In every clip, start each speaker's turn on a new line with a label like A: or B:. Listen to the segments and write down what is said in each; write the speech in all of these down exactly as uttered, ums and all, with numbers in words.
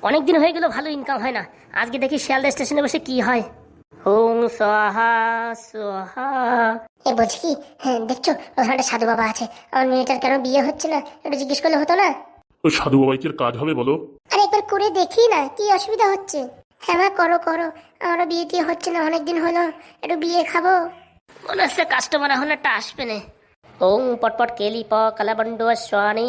A: অনেক দিন হয়ে গেল ভালো ইনকাম হয় না। আজকে দেখি শিয়ালদা স্টেশনে বসে কি হয়। ওং সোহা সোহা।
B: এ বলছি কি, হ্যাঁ দেখছো ওখানে একটা সাধু বাবা আছে, আমার মেয়েটার কেন বিয়ে হচ্ছে না একটু জিজ্ঞেস করলে হতো না?
C: ওই সাধু বাবাই কি আর কাজ হবে বলো?
B: আরে একবার করে দেখি না, কি অসুবিধা হচ্ছে? হ্যাঁ মা, করো করো, আমারও বিয়ে টিয়ে হচ্ছে না, অনেকদিন হলো, একটু বিয়ে খাবো।
A: মনে হচ্ছে কাস্টমার এখন একটা আসবে না। ওং পটপট কেলি প কালাবন্ড স্বানি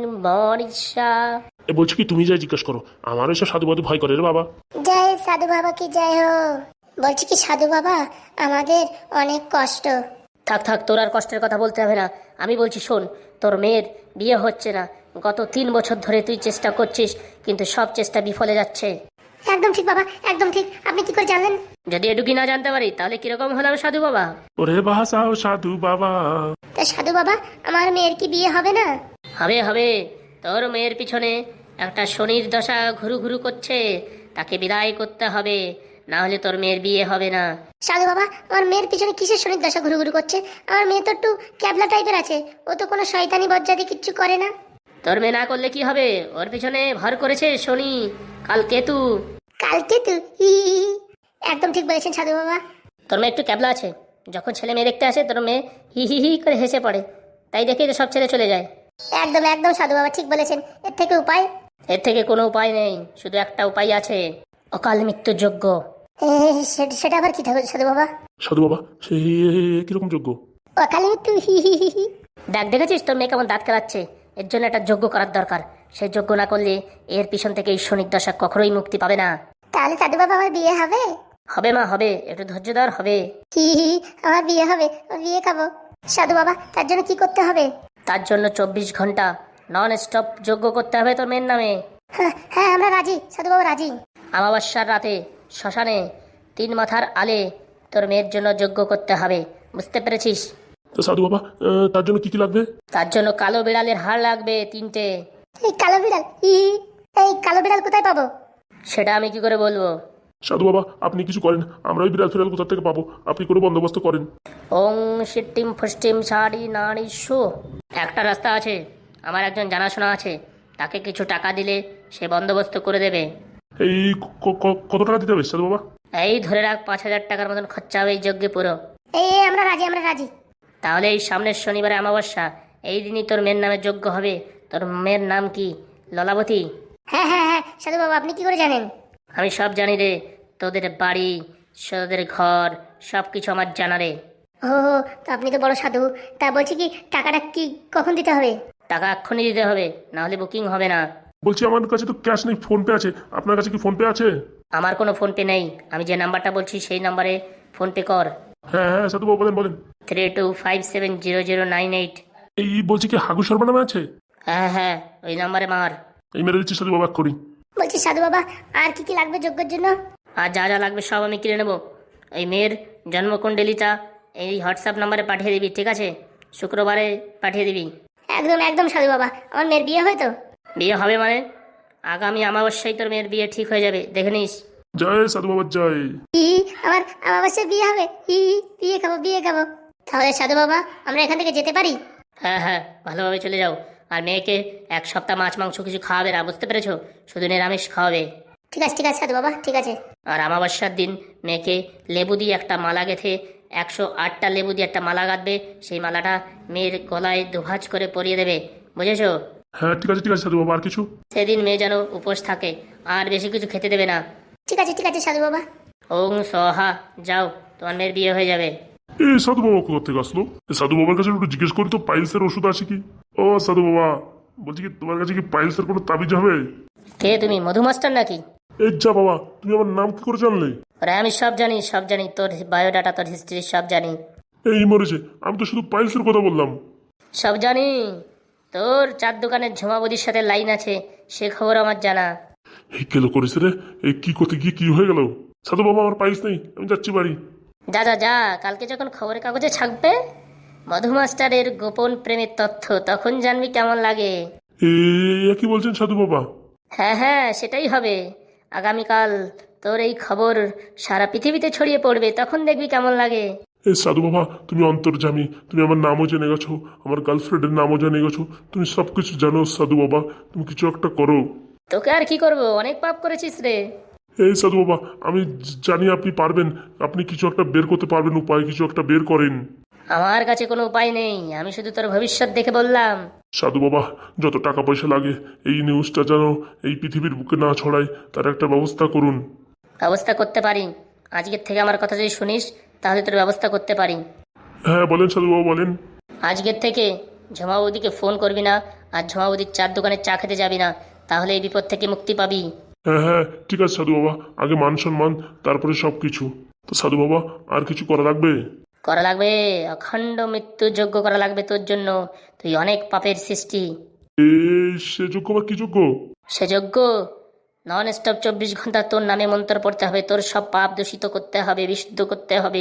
A: মরিষা।
C: এ বলছি কি, তুমি যাই জিজ্ঞেস করো, আমার এসব সাধু বাধু ভয় করে রে বাবা।
B: জয় সাধু বাবা কি জয় হো। বলছি কি সাধু বাবা, আমাদের অনেক কষ্ট।
A: থাক থাক, তোর আর কষ্টের কথা বলতে হবে না। আমি বলছি শোন, তোর মেয়ের বিয়ে হচ্ছে না। গত তিন বছর ধরে তুই চেষ্টা করছিস, কিন্তু সব চেষ্টা বিফলে যাচ্ছে।
B: একদম ঠিক বাবা, একদম ঠিক। আপনি কি করে জানলেন?
A: যদি এটুকি না জানতে পারি তাহলে কিরকম হলাম সাধু বাবা?
C: ওরে বাসাও সাধু বাবা।
B: তা সাধু বাবা, আমার মেয়ের কি বিয়ে হবে না?
A: হবে হবে। তোর মেয়ের পিছনে একটা শনির দশা ঘুরু ঘুরু করছে, তাকে বিদায় করতে হবে, না হলে তোর মেয়ের বিয়ে হবে না।
B: সাধু বাবা, আমার মেয়ের পিছনে কিসের শনির দশা ঘুরু ঘুরু করছে? আমার মেয়ে তো একটু ক্যাবলা টাইপের আছে, ও তো কোনো শয়তানি বজ্জাতি কিচ্ছু করে না।
A: তোর মেয়ে না করলে কি হবে? ওর পিছনে ভর করেছে শনি, কাল কেতু।
B: কালকে তো হি হি হি। একদম ঠিক বলেছেন সাধু বাবা।
A: তোর মেয়ে একটু ক্যাবলা আছে, যখন ছেলে মেয়ে দেখতে আসে তোর মেয়ে হি হি হি করে হেসে পড়ে, তাই দেখেই তো সব ছেলে চলে যায়।
B: একদম একদম সাধু বাবা ঠিক বলেছেন। এর থেকে উপায়?
A: এর থেকে কোনো উপায় নেই, শুধু একটা উপায় আছে, অকাল মৃত্যুর যোগ্য।
B: এ, সে- সেটা আবার কি ঠাকুর সাধু বাবা?
C: সাধু বাবা সে কিরকম যোগ্য?
B: অকালে মৃত্যু হি হি হি হি।
A: দেখ দেখেছিস তোর মেয়ে কেমন দাঁত খেলাচ্ছে? এর জন্য একটা যজ্ঞ করার দরকার। সেই যজ্ঞ না করলে এর পিছন থেকে এই শনির দশা কখনোই মুক্তি পাবে না।
B: তাহলে সাধু বাবা আমার বিয়ে হবে?
A: হবে মা হবে, একটু ধৈর্য ধর, হবে।
B: হি হি হি, আমার বিয়ে হবে, আমি বিয়ে খাবো। সাধু বাবা, তার জন্য কি করতে হবে?
A: তার জন্য চব্বিশ ঘন্টা নন স্টপ যজ্ঞ করতে হবে তোর মেয়ের নামে।
B: হ্যাঁ হ্যাঁ, আমরা রাজি সাধু বাবা, রাজি।
A: আমাবস্যার রাতে শ্মশানে তিন মাথার আলে তোর মেয়ের জন্য যজ্ঞ করতে হবে, বুঝতে পেরেছিস?
C: তো সাধু বাবা, আহ, তার জন্য কি কি লাগবে?
A: তার জন্য কালো বিড়ালের হাড় লাগবে তিনটে।
B: এই কালো বিড়াল, হি হি, এই কালো বিড়াল কোথায় পাবো?
A: সেটা আমি কি করে বলবো?
C: সাধু বাবা আপনি কিছু করেন, আমরা ওই বিড়াল ফিরাল কোথা থেকে পাবো, আপনি কোনো বন্দোবস্ত করেন।
A: ওং সিটিম ফুষ্টিম সারি নারী শো। একটা রাস্তা আছে, আমার একজন জানাশোনা আছে, তাকে কিছু টাকা দিলে সে বন্দোবস্ত করে দেবে।
C: এই ক- ক- কত টাকা দিতে হবে সাধু বাবা?
A: এই ধরে রাখ, পাঁচ হাজার টাকার মতন খরচা হবে এই যজ্ঞে পুরো।
B: এই এই, আমরা রাজি, আমরা রাজি।
A: তাহলে এই সামনের শনিবারে অমাবস্যা, এই দিনই তোর মেয়ের নামে যজ্ঞ হবে। তোর মেয়ের নাম কি? ললাবতী?
B: হ্যাঁ হ্যাঁ হ্যাঁ সাধু বাবা, আপনি কি করে জানেন?
A: আমি সব জানি রে, তোদের বাড়ি, তোদের ঘর, সব কিছু আমার জানা রে।
B: ও, তো আপনি তো বড় সাধু। তা বলছি কি, টাকাটা কি কখন দিতে হবে?
A: টাকা এক্ষুনি দিতে হবে, না হলে বুকিং হবে না।
C: বলছি আমার কাছে তো ক্যাশ নেই, ফোন পে আছে, আপনার কাছে কি ফোন পে আছে?
A: আমার কোনো ফোনপে নেই, আমি যে নাম্বারটা বলছি সেই নাম্বারে ফোনপে কর।
C: হ্যাঁ হ্যাঁ সাধু বাবা বলেন বলেন।
A: Three two five seven zero zero nine eight.
C: এই বলছি কি হাগু শর্মা নামে আছে?
A: হ্যাঁ হ্যাঁ, ওই নাম্বারে মার।
C: এই মেরে দিচ্ছি সাধু বাবা করি।
B: বলছি সাধু বাবা, আর কি কি লাগবে যজ্ঞের জন্য?
A: আর যা যা লাগবে সব আমি কিনে নেবো। এই মেয়ের জন্মকুণ্ডলিটা এই হোয়াটসঅ্যাপ নাম্বারে পাঠিয়ে দিবি, ঠিক আছে? শুক্রবারে পাঠিয়ে দিবি।
B: একদম একদম সাধু বাবা, আমার মেয়ের বিয়ে হয় তো?
A: বিয়ে হবে মানে আগামী অমাবস্যায় তোর মেয়ের বিয়ে ঠিক হয়ে যাবে, দেখে নিস।
C: জয় সাধু বাবা জয়।
B: ই, আমার আমার অবশ্যই বিয়ে হবে। ই, বিয়ে খাবো, বিয়ে খাবো। তাহলে সাধু বাবা, আমরা এখান থেকে যেতে পারি?
A: হ্যাঁ হ্যাঁ, ভালোভাবে চলে যাও। আর মেয়েকে এক সপ্তাহ মাছ মাংস কিছু খাওয়াবে না, বুঝতে পেরেছো? শুধু নিরামিষ খাওয়াবে।
B: ঠিক আছে ঠিক আছে সাধু বাবা, ঠিক আছে।
A: আর অমাবস্যার দিন মেয়েকে লেবু দিয়ে একটা মালা গেঁথে, একশো আটটা লেবু দিয়ে একটা মালা গাঁথবে, সেই মালাটা মেয়ের গলায় দুভাজ করে পরিয়ে দেবে, বুঝেছো?
C: হ্যাঁ ঠিক আছে ঠিক আছে সাধু বাবা, আর কিছু?
A: সেদিন মেয়ে যেন উপোস থাকে, আর বেশি কিছু খেতে দেবে না।
B: ঠিক আছে ঠিক আছে সাধু বাবা।
A: ওং সহা, যাও, তোমার মেয়ের বিয়ে হয়ে যাবে।
C: এই সাধু বাবা কোথা থেকে আসলো? এই সাধু বাবার কাছে একটু জিজ্ঞেস করি তো, পাইলসের ওষুধ আছে কি? ও সাধু বাবা, বলছি কি তোমার কাছে কি পাইলসের কোনো তাবিজ হবে?
A: কে তুমি, মধুমাস্টার নাকি?
C: এই যা বাবা, তুমি আমার নাম কি করে জানলে?
A: আরে আমি সব জানি, সব জানি, তোর বায়োডাটা, তোর হিস্ট্রি সব জানি।
C: এই মরেছে, আমি তো শুধু পাইলসের কথা বললাম।
A: সব জানি, তোর চার দোকানের ঝুমাবদির সাথে লাইন আছে, সে খবর আমার জানা।
C: এই কেলো করেছে রে, এই কি করতে গিয়ে কি হয়ে গেল? সাধু বাবা আমার পাইলস নেই, আমি যাচ্ছি বাড়ি।
A: যা যা যা, কালকে যখন খবরের কাগজে ছাপবে মধুমাস্টারের গোপন প্রেমের তথ্য, তখন জানবি কেমন লাগে।
C: এ কি বলছেন সাধু বাবা?
A: হ্যাঁ হ্যাঁ, সেটাই হবে। আগামীকাল তোর এই খবর সারা পৃথিবীতে ছড়িয়ে পড়বে, তখন দেখবি কেমন লাগে।
C: এ সাধু বাবা, তুমি অন্তর্যামী, তুমি আমার নামও জেনে গেছো, আমার গার্লফ্রেন্ডের নামও জেনে গেছো, তুমি সব কিছু জানো সাধু বাবা, তুমি কিছু একটা করো।
A: তোকে আর কি করব, অনেক পাপ করেছিস রে।
C: এই সাধু বাবা, আমি জ- জানি আপনি পারবেন। আপনি কিছু একটা বের করতে পারবেন, উপায় কিছু একটা বের করেন।
A: আমার কাছে কোনো উপায় নেই, আমি শুধু তোর ভবিষ্যৎ দেখে বললাম।
C: সাধু বাবা, যত টাকা পয়সা লাগে এই নিউজটা যেন এই পৃথিবীর বুকে না ছড়ায়, তার একটা ব্যবস্থা করুন।
A: ব্যবস্থা করতে পারি। আজকের থেকে আমার কথা যদি শুনিস তাহলে তোর ব্যবস্থা করতে পারি।
C: হ্যাঁ বলেন সাধু বাবা, বলেন।
A: আজকের থেকে ঝমাবুদিকে ফোন করবি না, আর ঝমাবুদির চার দোকানে চা খেতে যাবি না, তাহলে এই বিপদ থেকে মুক্তি পাবি।
C: হ্যাঁ হ্যাঁ ঠিক আছে সাধু বাবা, আগে মান সম্মান, তারপরে সব কিছু। তো সাধু বাবা, আর কিছু করা লাগবে?
A: করা লাগবে, অখণ্ড মৃত্যু যোগ্য করা লাগবে তোর জন্য। তুই অনেক পাপের সৃষ্টি।
C: এই সে যোগ্য বা কি যোগ্য?
A: সে যোগ্য নন স্টপ চব্বিশ ঘন্টা তোর নামে মন্ত্র পড়তে হবে, তোর সব পাপ দূষিত করতে হবে, বিশুদ্ধ করতে হবে।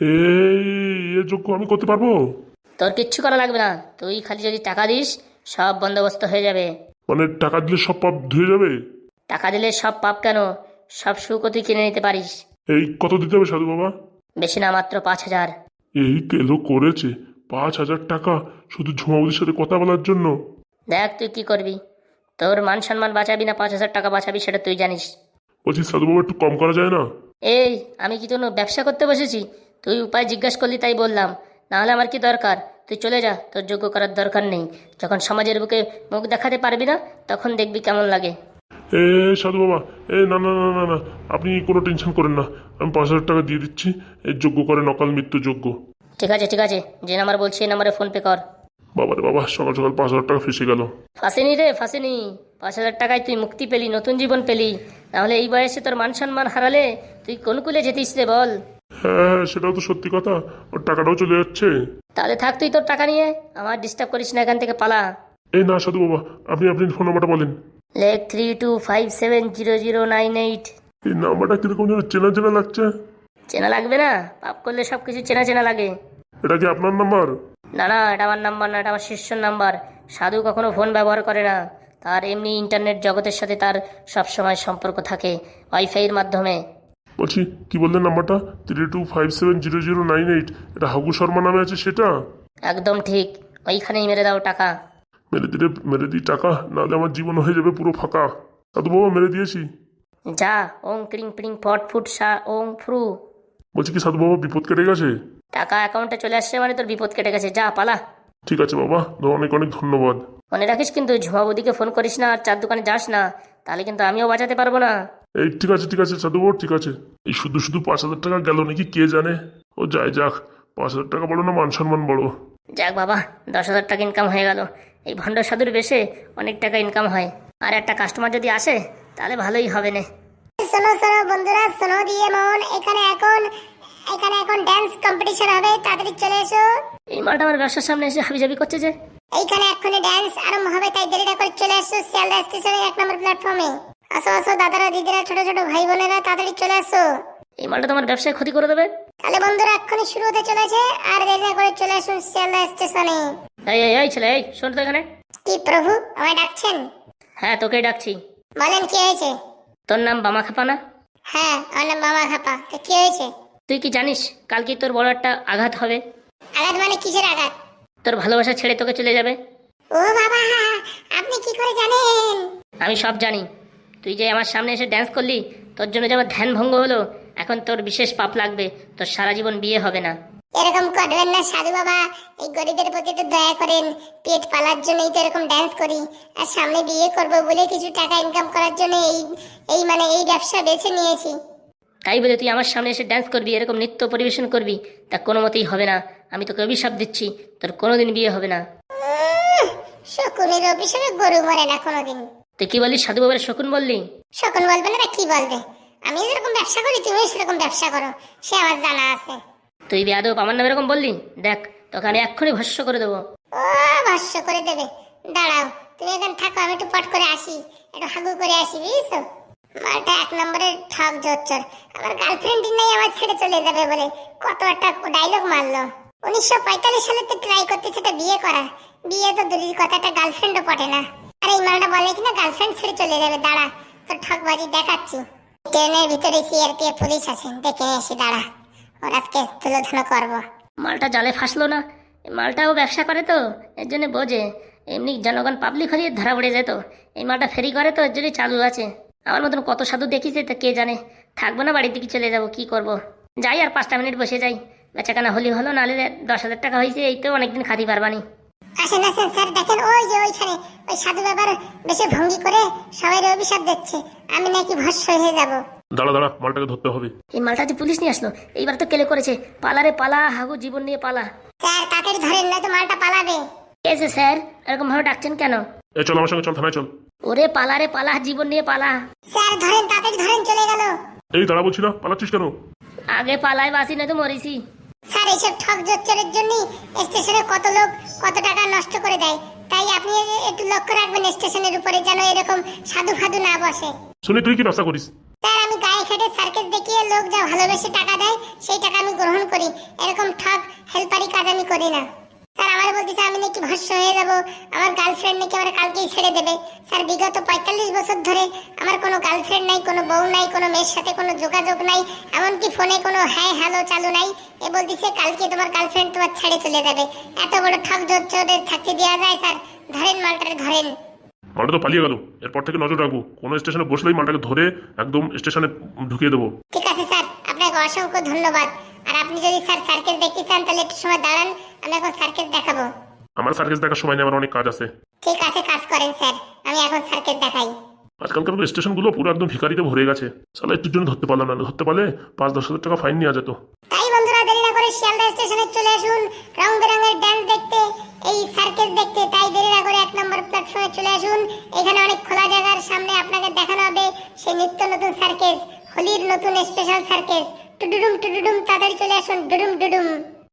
C: এই এ যোগ্য আমি করতে পারবো?
A: তোর কিচ্ছু করা লাগবে না, তুই খালি যদি টাকা দিস সব বন্দোবস্ত হয়ে যাবে।
C: মানে টাকা দিলে সব পাপ ধুয়ে যাবে?
A: টাকা দিলে সব পাপ কেন, সব সুখও তুই কিনে নিতে পারিস।
C: এই কত দিতে হবে সাধু বাবা?
A: বেশি না, মাত্র পাঁচ হাজার।
C: এই কেলো করেছে পাঁচ হাজার টাকা শুধু ঝুমাবুদির সাথে কথা বলার জন্য?
A: দেখ তুই কি করবি, তোর মান সম্মান বাঁচাবি না পাঁচ হাজার টাকা বাঁচাবি সেটা তুই জানিস।
C: বলছি সাধু বাবা, একটু কম করা যায় না?
A: এই আমি কি কোনো ব্যবসা করতে বসেছি? তুই উপায় জিজ্ঞাসা করলি তাই বললাম, নাহলে আমার কি দরকার? তুই চলে যা, তোর যোগ্য করার দরকার নেই। যখন সমাজের বুকে মুখ দেখাতে পারবি না তখন দেখবি কেমন লাগে।
C: এ সাধু বাবা, এ না না না না না, আপনি কোনো টেনশন করেন না, আমি পাঁচ হাজার টাকা দিয়ে দিচ্ছি। এই যোগ্য করে নকাল মৃত্যু যোগ্য।
A: ঠিক আছে ঠিক আছে, যে নাম্বার বলছি এই নাম্বারে ফোন পে কর।
C: বাবারে বাবা, সকাল সকাল পাঁচ হাজার টাকা ফেসে গেল।
A: ফাঁসেনি রে ফাঁসেনি, পাঁচ হাজার টাকায় তুই মুক্তি পেলি, নতুন জীবন পেলি। নাহলে এই বয়সে তোর মান সম্মান হারালে তুই কোন কুলে যেতিস রে বল?
C: হ্যাঁ সেটাও তো সত্যি কথা, ওর টাকাটাও চলে যাচ্ছে।
A: তাহলে থাক তুই তোর টাকা নিয়ে, আমার ডিস্টার্ব করিস না, এখান থেকে পালা।
C: এই না সাধু বাবা, আপনি আপনি ফোন নাম্বারটা বলেন।
A: লেখ three two five seven zero zero nine eight.
C: এই নাম্বারটা কিরকম যেন চেনা চেনা লাগছে।
A: চেনা লাগবে না? পাপ করলে সব কিছু চেনা চেনা লাগে।
C: এটা কি আপনার নাম্বার?
A: না না, এটা আমার নাম্বার না, এটা আমার শিষ্যর নাম্বার। সাধু কখনো ফোন ব্যবহার করে না, তার এমনি ইন্টারনেট জগতের সাথে তার সবসময় সম্পর্ক থাকে ওয়াইফাইয়ের মাধ্যমে।
C: বলছি কি বললেন নাম্বারটা? Three two five seven zero zero nine eight. এটা হাগু শর্মা নামে আছে সেটা?
A: একদম ঠিক, ওইখানেই মেরে দাও টাকা।
C: মেরে দিলে মেরে দিই টাকা, নাহলে আমার জীবন হয়ে যাবে পুরো ফাঁকা। সাধু বাবা মেরে দিয়েছি।
A: যা, ওং ক্রিং প্রিং ফট ফুট সা ওং ফ্রু।
C: বলছি কি সাধু বাবা, বিপদ কেটে গেছে?
A: টাকা অ্যাকাউন্টে চলে আসছে মানে তোর বিপদ কেটে গেছে, যা পালা।
C: ঠিক আছে বাবা, অনেক অনেক ধন্যবাদ।
A: মনে রাখিস কিন্তু ঝুমাবুদিকে ফোন করিস না আর চার দোকানে যাস না, তাহলে কিন্তু আমিও বাঁচাতে পারবো না।
C: এই ঠিক আছে ঠিক আছে সাধু বাবা, ঠিক আছে। এই শুধু শুধু পাঁচ হাজার টাকা গেল নাকি কে জানে। ও যাই যাক, পাঁচ হাজার টাকা বড় না মান সম্মান বড়?
A: যাক বাবা, দশ হাজার টাকা ইনকাম হয়ে গেল। এই ভণ্ড সাধুর বেশে অনেক টাকা ইনকাম হয়, আর একটা কাস্টমার যদি আসে তাহলে ভালোই হবে না।
B: শোনো শোনো বন্ধুরা, শোনো দিয়ে মন, এখানে এখন এখানে এখন ড্যান্স কম্পিটিশন হবে, তাড়াতাড়ি চলে এসো।
A: এই মালটা আমার ব্যবসার সামনে এসে হাবিজাবি করছে যে।
B: এইখানে এক্ষুনি ড্যান্স আরম্ভ হবে, তাই দেরিটা করে চলে এসো শিয়ালদা স্টেশনের এক নম্বর প্ল্যাটফর্মে। আসো আসো দাদারা দিদিরা ছোট ছোট ভাই বোনেরা, তাড়াতাড়ি চলে আসো।
A: এই মালটা তোমার ব্যবসায় ক্ষতি করে দেবে।
B: তাহলে বন্ধুরা এক্ষুনি শুরু হতে চলেছে, আর দেরি না করে চলে আসুন শিয়ালদা স্টেশনে।
A: এই এই এই ছেলে, এই শোন তো এখানে।
B: কি প্রভু, আমায় ডাকছেন?
A: হ্যাঁ তোকেই ডাকছি।
B: বলেন কি হয়েছে?
A: তোর নাম বামা খাপা না?
B: হ্যাঁ আমার নাম মামা খাপা, তো কি হয়েছে?
A: তুই কি জানিস কালকে তোর বড় একটা আঘাত হবে?
B: আঘাত মানে কিসের আঘাত?
A: তোর ভালোবাসা ছেড়ে তোকে চলে যাবে।
B: ও বাবা, আপনি কি করে জানেন?
A: আমি সব জানি। তুই যে আমার সামনে এসে ড্যান্স করলি, তোর জন্য যে আমার ধ্যান ভঙ্গ হলো, এখন তোর বিশেষ পাপ লাগবে, তোর সারা জীবন বিয়ে হবে না।
B: এরকম করবেন না সাধু বাবা, এই গরিবের প্রতি তো দয়া করেন। পেট পালার জন্যই তো এরকম ড্যান্স করি, আর সামনে বিয়ে করব বলে কিছু টাকা ইনকাম করার জন্য এই এই মানে এই ব্যবসা বেছে নিয়েছি।
A: তাই বলে তুই আমার সামনে এসে ড্যান্স করবি, এরকম নৃত্য পরিবেশন করবি, তা কোনো মতেই হবে না। আমি তোকে অভিশাপ দিচ্ছি, তোর কোনোদিন বিয়ে হবে না।
B: উম, শকুনের অভিশাপে গরু মরে না কোনোদিন।
A: তুই কি বললি? সাধু বাবার শকুন বললি?
B: শকুন বলবে না কি বলবে? আমি যেরকম ব্যবসা করি তুমিও সেরকম ব্যবসা করো, সে আমার জানা আছে।
A: তুই বেয়াদব আমার নামে এরকম বললি? দেখ তোকে আমি এক্ষুনি ভস্য করে দেবো।
B: ও ভস্য করে দেবে? দাঁড়াও, তুমি এখানে থাকো, আমি একটু পট করে আসি, একটু হাগু করে আসি, বুঝছো? মালটা এক নম্বরের ঠক জোচ্চর। আমার গার্লফ্রেন্ডই নাই, আমার ছেড়ে চলে যাবে বলে কত একটা ডায়লগ মারলো। উনিশশো পঁয়তাল্লিশ সালে তো ট্রাই করতেছে এটা বিয়ে করা, বিয়ে তো দূরের কথা, একটা গার্লফ্রেন্ডও পটে না। আর এই মালটা বলে কিনা গার্লফ্রেন্ড ছেড়ে চলে যাবে। দাঁড়া, তোর ঠকবাজি দেখাচ্ছি। ট্রেনের ভিতরে সিআরপিএফ পুলিশ আছে, দেখে আসি, দাঁড়া, ওর আজকে তুলোধুলো করবো।
A: মালটা জালে ফাঁসলো না? এই মালটাও ব্যবসা করে তো, এর জন্য বোঝে। এমনি জনগণ পাবলিক হলে ধরা পড়ে যেত। এই মালটা ফেরি করে তো, এর জন্যই চালু আছে। আমার মতন কত সাধু দেখিছে তা কে জানে। থাকবো না, বাড়ির দিকে চলে যাব, কি করব। যাই আর পাঁচটা মিনিট বসে যাই, বেচাকেনা হলি হলো, নাহলে দশ হাজার টাকা হয়েছে, এই তো অনেকদিন খাতি পারবানি।
B: আসেন আসেন স্যার, দেখেন ওই যে ওইখানে ওই সাধু বাবার বেশি ভঙ্গি করে সবাই অভিশাপ দিচ্ছে, আমি নাকি ভস্ম হয়ে যাব।
C: দাঁড়া দাঁড়া, মালটাকে ধরতে হবে।
A: এই মালটা যে পুলিশ নিয়ে আসলো, এইবার তো কেলে করেছে। পালারে পালা, হাগু জীবন নিয়ে পালা।
B: স্যার তাড়াতাড়ি ধরেন, নয়তো মালটা পালাবে।
A: এসে স্যার এরকম ভাবে ডাকছেন কেন?
C: এ চল আমার সঙ্গে, চল থানায় চল।
A: ওরে পালারে পালা, জীবন নিয়ে পালা।
B: স্যার ধরেন, তাড়াতাড়ি ধরেন, চলে গেল।
C: এই দাঁড়া বলছি না, পালাচ্ছিস কেন?
A: আগে পালাই বাসি, নয়তো মরিছি।
B: স্যার এইসব ঠক জোচ্চরের জন্যই স্টেশনে কত লোক কত টাকা নষ্ট করে দেয়, তাই আপনি একটু লক্ষ্য রাখবেন স্টেশনের উপরে, যেন এরকম সাধু ফাধু না বসে।
C: শুনি তুই কি ব্যবসা করিস?
B: স্যার আমি গায়ে খেটে সার্কেস দেখিয়ে লোক যা ভালোবেসে টাকা দেয় সেই টাকা আমি গ্রহণ করি, এরকম ঠক হেল্পারি কাজ আমি করি না। স্যার আমার বলতেছে আমি নাকি ভস্ম হয়ে যাব, আমার গার্লফ্রেন্ড নাকি আমার কালকেই ছেড়ে দেবে। স্যার বিগত পঁয়তাল্লিশ বছর ধরে আমার কোনো গার্লফ্রেন্ড নাই, কোনো বউ নাই, কোনো মেয়ের সাথে কোনো যোগাযোগ নাই, এমনকি ফোনে কোনো হ্যাঁ হ্যালো চালু নাই। এ বলতেছে কালকে তোমার গার্লফ্রেন্ড তোমার ছেড়ে চলে যাবে। এত বড় ঠক জোচ্চরের থাকতে দেওয়া যায়? স্যার ধরেন মালটারে, ধরেন।
C: মালটা তো পালিয়ে গেল, এরপর থেকে নজর রাখবো, কোনো স্টেশনে বসলেই মালটাকে ধরে একদম স্টেশনে ঢুকিয়ে দেবো।
B: ঠিক আছে স্যার, আপনাকে অসংখ্য ধন্যবাদ। আর আপনি যদি স্যার সার্কেস দেখতে চান তাহলে একটু সময় দাঁড়ান, আমি এখন সার্কেস দেখাবো।
C: আমার সার্কেস দেখার সময় নেই, আমার অনেক কাজ আছে।
B: ঠিক আছে, কাজ করেন স্যার, আমি এখন সার্কেস দেখাই।
C: আজকালকার স্টেশনগুলো পুরো একদম ভিখারিতে ভরে গেছে, সালা একটুর জন্য ধরতে পারলাম না, ধরতে পারলে পাঁচ দশ হাজার টাকা ফাইন নেওয়া যেত।
B: তাই বন্ধুরা দেরি না করে শিয়ালদা স্টেশনে চলে আসুন রং বেরঙের ড্যান্স দেখতে, এই সার্কেস দেখতে। তাই দেরি না করে এক নম্বর প্ল্যাটফর্মে চলে আসুন, এখানে অনেক খোলা জায়গার সামনে আপনাকে দেখানো হবে সেই নিত্য নতুন সার্কেস, হোলির নতুন স্পেশাল সার্কেস। টুডুডুম টুডুডুম, তাড়াতাড়ি চলে আসুন, ডুডুম ডুডুম।